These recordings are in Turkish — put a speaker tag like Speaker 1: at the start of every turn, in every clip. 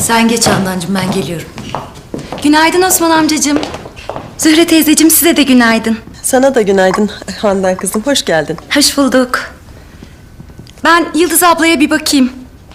Speaker 1: Sen geç Handancığım, ben geliyorum.
Speaker 2: Günaydın Osman amcacığım. Zühre teyzeciğim, size de günaydın.
Speaker 3: Sana da günaydın Handan kızım, hoş geldin.
Speaker 2: Hoş bulduk. Ben Yıldız ablaya bir bakayım.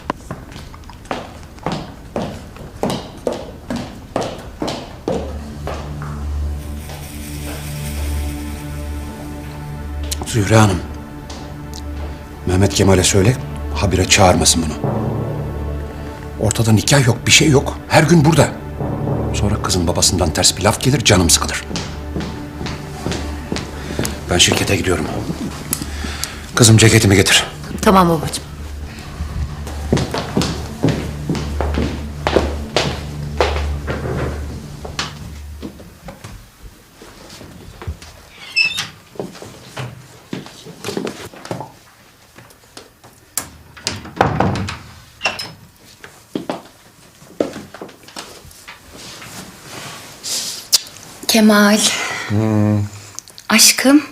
Speaker 4: Zühre Hanım, Mehmet Kemal'e söyle, habire çağırmasın bunu. Ortada nikah yok, bir şey yok. Her gün burada. Sonra kızın babasından ters bir laf gelir, canım sıkılır. Ben şirkete gidiyorum. Kızım ceketimi getir.
Speaker 1: Tamam babacığım.
Speaker 2: Kemal. Aşkım.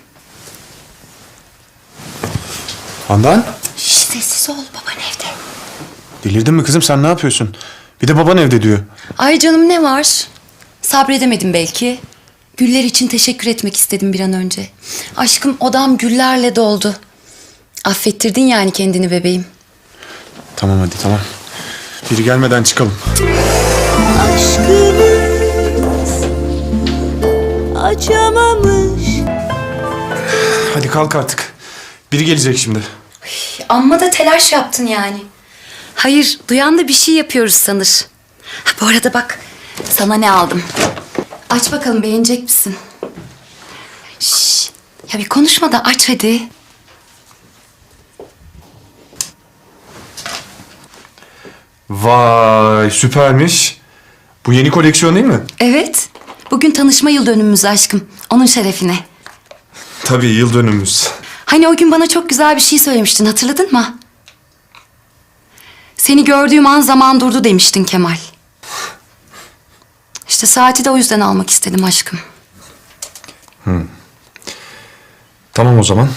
Speaker 5: Handan?
Speaker 2: Şş, sessiz ol, baban evde.
Speaker 5: Delirdin mi kızım, sen ne yapıyorsun? Bir de baban evde diyor.
Speaker 2: Ay canım, ne var? Sabredemedim belki. Güller için teşekkür etmek istedim bir an önce. Aşkım, odam güllerle doldu. Affettirdin yani kendini bebeğim.
Speaker 5: Tamam hadi tamam. Biri gelmeden çıkalım.
Speaker 6: Aşkımız açamamış.
Speaker 5: Hadi kalk artık. Biri gelecek şimdi.
Speaker 2: Amma da telaş yaptın yani. Hayır, duyan da bir şey yapıyoruz sanır. Ha, bu arada bak, sana ne aldım. Aç bakalım, beğenecek misin? Şş, ya bir konuşma da aç hadi.
Speaker 5: Vay süpermiş. Bu yeni koleksiyon değil mi?
Speaker 2: Evet, bugün tanışma yıl dönümümüz aşkım. Onun şerefine.
Speaker 5: Tabii yıl dönümümüz.
Speaker 2: Hani o gün bana çok güzel bir şey söylemiştin, hatırladın mı? Seni gördüğüm an zaman durdu demiştin Kemal. İşte saati de o yüzden almak istedim aşkım.
Speaker 5: Tamam o zaman.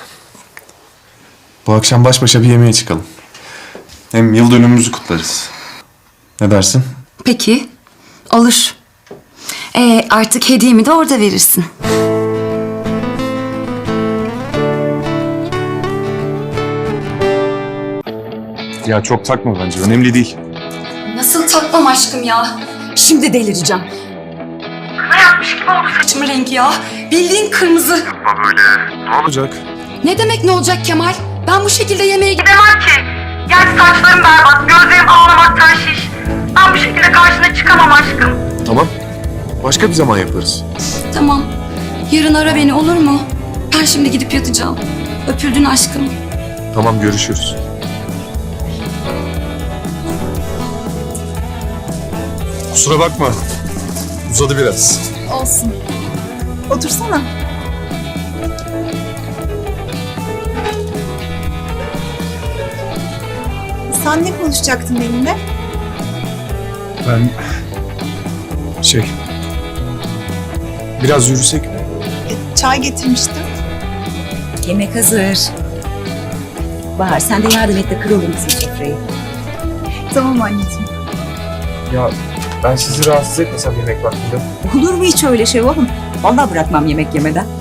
Speaker 5: Bu akşam baş başa bir yemeğe çıkalım. Hem yıl dönümümüzü kutlarız. Ne dersin?
Speaker 2: Peki, olur. Artık hediyemi de orada verirsin.
Speaker 5: Ya çok takma bence, önemli değil.
Speaker 2: Nasıl takmam aşkım ya? Şimdi delireceğim. Ne yapmış gibi oldu saçımın rengi ya. Bildiğin kırmızı.
Speaker 5: Ne olacak?
Speaker 2: Ne demek ne olacak Kemal? Ben bu şekilde yemeğe
Speaker 7: Gidemem ki. Yani saçlarım berbat, gözlerim ağlamaktan şiş. Ben bu şekilde karşına çıkamam aşkım.
Speaker 5: Tamam. Başka bir zaman yaparız.
Speaker 2: Tamam. Yarın ara beni, olur mu? Ben şimdi gidip yatacağım. Öpüldün aşkım.
Speaker 5: Tamam, görüşürüz. Kusura bakma. Uzadı biraz.
Speaker 6: Olsun. Otursana. Sen ne konuşacaktın benimle?
Speaker 5: Ben... Biraz yürüsek mi?
Speaker 6: Çay getirmiştim.
Speaker 1: Yemek hazır. Bahar, sen de yardım et de kıralım bizim sofrayı.
Speaker 6: Tamam anneciğim.
Speaker 5: Ya ben sizi rahatsız etmesem yemek vaktinde.
Speaker 1: Olur mu hiç öyle şey oğlum? Vallahi bırakmam yemek yemeden.